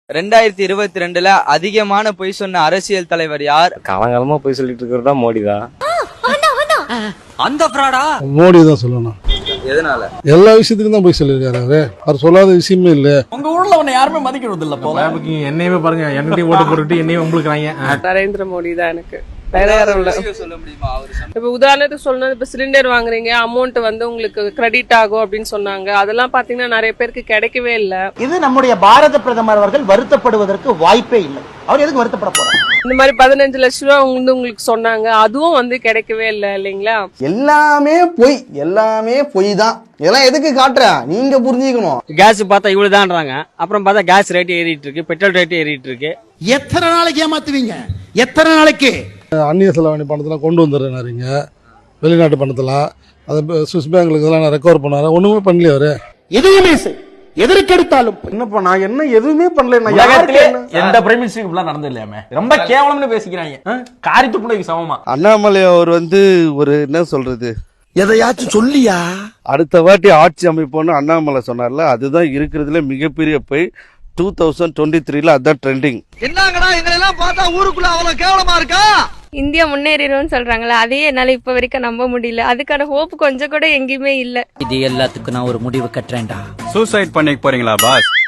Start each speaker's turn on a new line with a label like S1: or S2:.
S1: 2022ல அதிகமான பொய் சொன்ன அரசியல் தலைவர் யார்?
S2: காலங்காலமா போய் சொல்லிட்டு இருக்கிறதா மோடி தான்.
S1: அந்த ஃப்ராடா?
S3: மோடி தான் சொல்லணும்.
S1: எதனால?
S3: எல்லா விஷயத்துக்கும் தான் போய் சொல்லியிருக்காரு அவரு. அவர் சொல்லாத விஷயமே இல்ல.
S4: உங்க ஊர்ல உன்னை யாருமே மதிக்கிறது இல்ல போல.
S5: என்னையுமே பாருங்க, என்னையும் ஓட்டு போட்டுட்டு என்னையும் உங்களுக்கு
S6: நரேந்திர மோடி தான் எனக்கு. வேற யாரும் இல்ல.
S1: சொல்ல முடியுமா?
S6: இப்ப உதாரணத்துக்கு சொல்லணும், இப்ப சிலிண்டர் வாங்குறீங்க, அமௌண்ட் வந்து உங்களுக்கு கிரெடிட் ஆகும் அப்படின்னு சொன்னாங்க. அதெல்லாம் பாத்தீங்கன்னா நிறைய பேருக்கு கிடைக்கவே இல்ல.
S4: இது நம்முடைய பாரத பிரதமர் அவர்கள் வருத்தப்படுவதற்கு வாய்ப்பே இல்லை. அவர் எதுக்கு வருத்தப்பட போறார்?
S6: இந்த மாதிரி 15 லட்சம் ரூபாய் வந்து உங்களுக்கு சொன்னாங்க, அதுவும் வந்து கிடைக்கவே இல்லை இல்லைங்களா?
S7: எல்லாமே பொய் தான். இதெல்லாம் எதுக்கு காட்டுற? நீங்க புரிஞ்சுக்கணும்.
S8: கேஸ் பார்த்தா இவ்வளவுதான்றாங்க, அப்புறம் பார்த்தா கேஸ் ரேட் ஏறிட்டு இருக்கு, பெட்ரோல் ரேட் ஏறிட்டு இருக்கு.
S4: எத்தனை நாளைக்கு ஏமாத்துவீங்க? எத்தனை நாளைக்கு?
S3: அந்நிய செலவாணி பணத்தெல்லாம் கொண்டு வந்துடுறாருங்க, வெளிநாட்டு பணத்தெல்லாம். அதை சுவிஸ் பேங்க்களுக்கு இதெல்லாம் ரெக்கவர் பண்ணாரு. ஒண்ணுமே பண்ணல அவரு.
S4: எதையுமே எதற்கெடுத்தாலும்
S5: என்னப்பா நான் என்ன எதுவுமே பண்ணல. எந்த பிரைம் மினிஸ்டருக்கு இப்படிலாம் நடந்து இல்லையாமே, ரொம்ப கேவலம்னு பேசிக்கிறாங்க. காரித்து பிள்ளைக்கு சமமா.
S9: அண்ணாமலை அவர் வந்து ஒரு என்ன சொல்றது,
S4: எதையாச்சும் சொல்லியா?
S9: அடுத்த வாட்டி ஆட்சி அமைப்போன்னு அண்ணாமலை சொன்னார்ல, அதுதான் இருக்கிறதுல மிகப்பெரிய போய். 2023ல அதான் ட்ரெண்டிங்.
S1: என்னங்கடா எங்களை எல்லாம் பார்த்தா ஊருக்குள்ள அவ்வளவு கேவலமா இருக்கா?
S10: இந்தியா முன்னேறிடும்னு சொல்றாங்களா, அதையே என்னால இப்ப வரைக்கும் நம்ப முடியல. அதுக்கான ஹோப் கொஞ்சம் கூட எங்கேயுமே இல்ல.
S8: இது எல்லாத்துக்கும் நான் ஒரு முடிவு கட்டுறேன்டா.
S2: சூசைட் பண்ணிக்க போறீங்களா பாஸ்?